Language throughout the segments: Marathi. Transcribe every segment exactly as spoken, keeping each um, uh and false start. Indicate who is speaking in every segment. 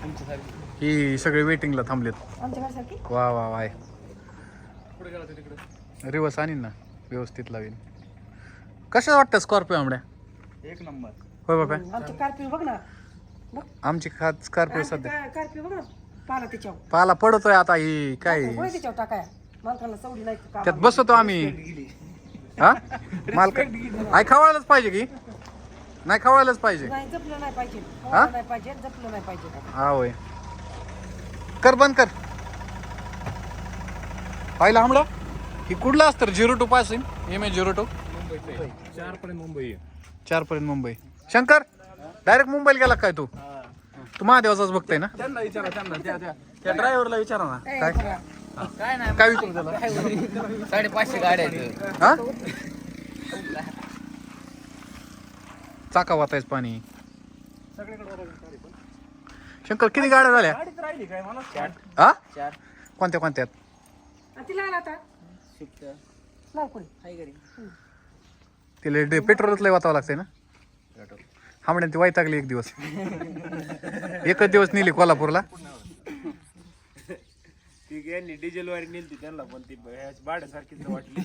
Speaker 1: ही सगळे वेटिंगला थांबलेत. वा वा वाय रिवर्स आणीन ना व्यवस्थित लावीन. कशा वाटतं स्कॉर्पिओ आमड्या?
Speaker 2: एक नंबर.
Speaker 1: होय बाबा
Speaker 3: आमची स्कॉर्पिओ बघ ना.
Speaker 1: आमची खात स्कॉर्पिओ सध्या
Speaker 3: स्कॉर्पिओ बघ ना पाला त्याच्यावर.
Speaker 1: पाला पडतोय आता ही काय
Speaker 3: होय त्याच्यावर टाकाय. मालकाला सवडी नाही का?
Speaker 1: त्यात बसवतो आम्ही. हा मालक आई खवळायलाच पाहिजे की नाही? खवळायलाच पाहिजे.
Speaker 3: नाही जपलं नाही पाहिजे.
Speaker 1: हा?
Speaker 3: खवळलं नाही पाहिजे जपलं नाही पाहिजे.
Speaker 1: हा होय कर बंद कर. पाहिलं आमडा ही कुठला असतं? Zero two passing M A zero two
Speaker 2: चार पर्यंत मुंबई.
Speaker 1: चार पर्यंत मुंबई. शंकर डायरेक्ट मुंबईला गेला काय तू? तू महादेवाचाच बघताय ना?
Speaker 2: त्यांना विचारा त्यांना त्या त्या त्या ड्रायव्हरला विचारा ना.
Speaker 1: काय
Speaker 4: काय नाही
Speaker 1: काय विचारू त्याला?
Speaker 4: साडेपाचशे गाड्या आहेत.
Speaker 1: हा चाका वाचायच पाणी. शंकर किती गाड्या झाल्या?
Speaker 2: गाडीत राहिली काय मला
Speaker 1: हा
Speaker 4: चार
Speaker 1: कोणत्या कोणत्यात?
Speaker 3: आणि तिला आला आता
Speaker 4: शिफ्ट
Speaker 3: लाव कोणी.
Speaker 4: आहे घरी.
Speaker 1: तिला पेट्रोलच लय वाचावं लागतंय ना? हामड्यान ती वैतागली एक दिवस. एकच दिवस नेली कोल्हापूरला.
Speaker 2: ती यांनी डिझेल वारी नेली त्यांना पण ती भाड्यासारखीच वाटली.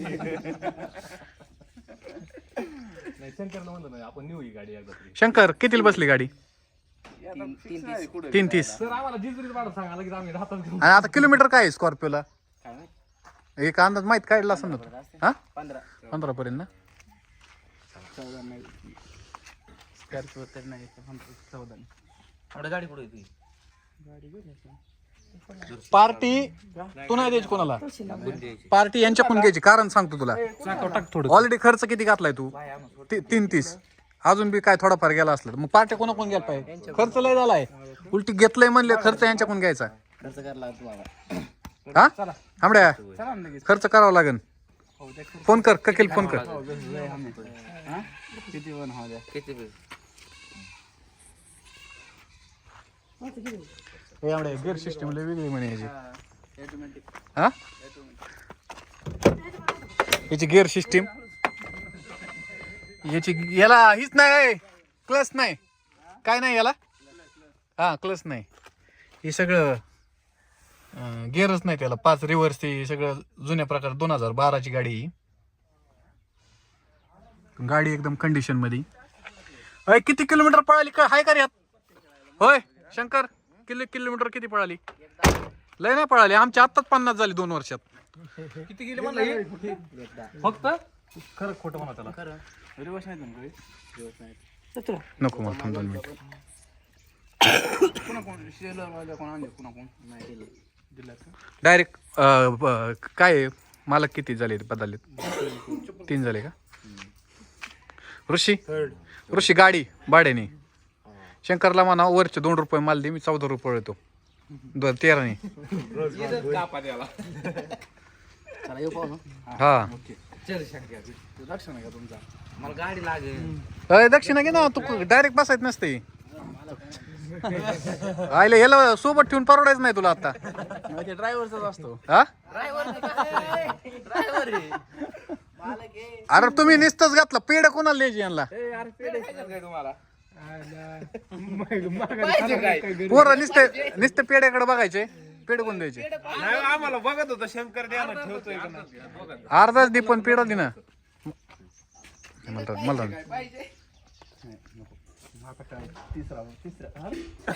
Speaker 2: नाही शंकरला म्हणलं नाही आपण नेऊ ही गाडी एकदा तरी.
Speaker 1: शंकर कितीला बसली गाडी?
Speaker 2: कुठे
Speaker 1: तीन तीस.
Speaker 2: सर आम्हाला जिजरीत भाडं सांगा लगेच आम्ही राहतात घेऊन.
Speaker 1: आणि आता किलोमीटर काय आहे स्कॉर्पिओला?
Speaker 4: काय माहित?
Speaker 1: एक अंदाज माहित काढला असं ना तू? हा
Speaker 4: पंधरा
Speaker 1: पंधरा पर्यंत ना?
Speaker 4: चौदा नाही स्कॉर्पिओ तर नाही चौदा नाही. थोडं गाडी पुढे येते.
Speaker 1: पार्टी तू नाही द्यायची कोणाला? पार्टी यांच्याकडून घ्यायची. कारण सांगतो तुला. ऑलरेडी खर्च किती घातलाय तू? ती- तीन तीस. अजून बी काय थोडाफार गेला असला तर मग पार्ट्या कोणाकडून घ्यायला पाहिजे? खर्च लय झालाय. उलटी घेतलंय म्हणले खर्च यांच्याकडून घ्यायचा.
Speaker 4: खर्च करायला तुम्हाला.
Speaker 1: हा आमड्या खर्च करावा लागेल. फोन कर ककील फोन कर.
Speaker 4: किती पण हो द्या. किती पण
Speaker 1: हे आमड्या गिअर सिस्टम लय वेगळी म्हणे याची.
Speaker 4: ऑटोमॅटिक
Speaker 1: हा याची गिअर सिस्टीम याची याला हीच नाही क्लच नाही काय नाही याला. हा क्लच नाही. हे सगळं गिअरच नाही त्याला. पाच रिव्हर्स ते सगळं जुन्या प्रकार. दोन हजार बाराची गाडी ही. गाडी एकदम कंडिशन मध्ये. अय किती किलोमीटर पळाली काय हाय का रे यात? होय शंकर किलो किलोमीटर किती पळाली? लय नाही पळाली. आमची आत्ताच पन्नास झाली दोन वर्षात.
Speaker 2: किती गेले म्हणलं फक्त खरं खोटं म्हणा त्याला. रिवर्स नाही ना
Speaker 1: नको मग थांब दोन मिनिट.
Speaker 2: पुन्हा कोण शेलर वाले कोण आणले पुन्हा कोण नाही दिलं दिलं
Speaker 1: डायरेक्ट काय आहे? मालक किती झाले बदलले? तीन झाले का? ऋषी ऋषी गाडी भाड्याने. शंकरला म्हणा वरचे दोन रुपये माल दे मी चौदा रुपये येतो दोन तेराने.
Speaker 2: कापा द्याला.
Speaker 4: चला येऊ पाहू.
Speaker 1: हा
Speaker 2: चल शंकर लक्ष नाही का तुमचा?
Speaker 4: मला गाडी लागेल.
Speaker 1: अय दक्षिणा घे ना. तू डायरेक्ट बसायच नसते. आयले याला सोबत ठेवून परवडायचं नाही तुला आता.
Speaker 2: ते ड्रायव्हरचाच असतो.
Speaker 1: हा
Speaker 4: ड्रायव्हर ड्रायव्हर आहे.
Speaker 1: अरे तुम्ही निस्तच घातला. पेड कोणाला द्यायची यांना?
Speaker 2: ए अरे पेढे खायचे काय तुम्हाला?
Speaker 1: पोरं नुसते नुसते पेड्याकडे बघायचे. पेड कोण द्यायचे?
Speaker 2: नाही आम्हाला बघत होता शंकर द्यायला ठेवतोय का नाही.
Speaker 1: अर्धाच दे पण पेडा दे ना. मला मला
Speaker 2: तिसरा तिसरा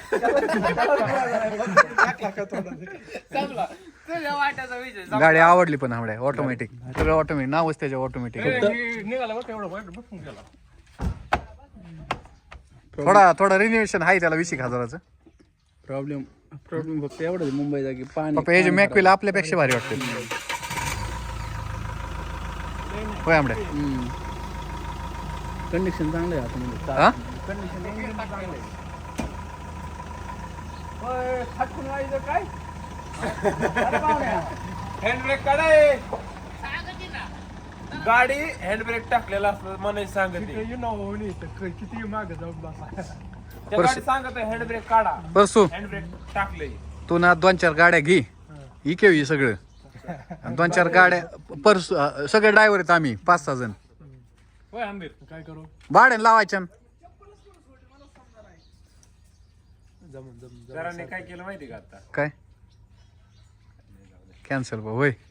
Speaker 1: गाडी आवडली पण आवड्या ऑटोमॅटिक. सगळं ऑटोमॅटिक. नावच त्याच्या ऑटोमॅटिक.
Speaker 2: निघाला बघ एवढं वाईट बसून गेला.
Speaker 1: थोडा थोडा रिनोव्हेशन आहे त्याला वीस एक हजाराचं.
Speaker 4: प्रॉब्लेम प्रॉब्लेम फक्त एवढं मुंबई जागी पाणी.
Speaker 1: पप्पा हे जे मॅकविल आपल्यापेक्षा भारी वाटते. होय आमड्या
Speaker 4: कंडिशन चांगलं आहे आता.
Speaker 1: हा
Speaker 2: कंडिशन चांगलं आहे. ओय फाटकून व्हायचं काय? हँडब्रेक काढाय. गाडी हँडब्रेक टाकलेला असतं म्हणे सांगते. किती मागे जाऊन बसा. त्या गाडी सांगत हँडब्रेक काढा.
Speaker 1: बसू
Speaker 2: हँडब्रेक टाकले.
Speaker 1: तू ना दोन चार गाड्या घे. इके हे सगळं. दोन चार गाड्या पर सगळे ड्रायव्हर आहेत आम्ही पाच सहा जण.
Speaker 2: होय आंबीर काय करू?
Speaker 1: भाड्याने लावायच्या.
Speaker 2: जराने काय केलं माहिती का आता
Speaker 1: काय कॅन्सल होय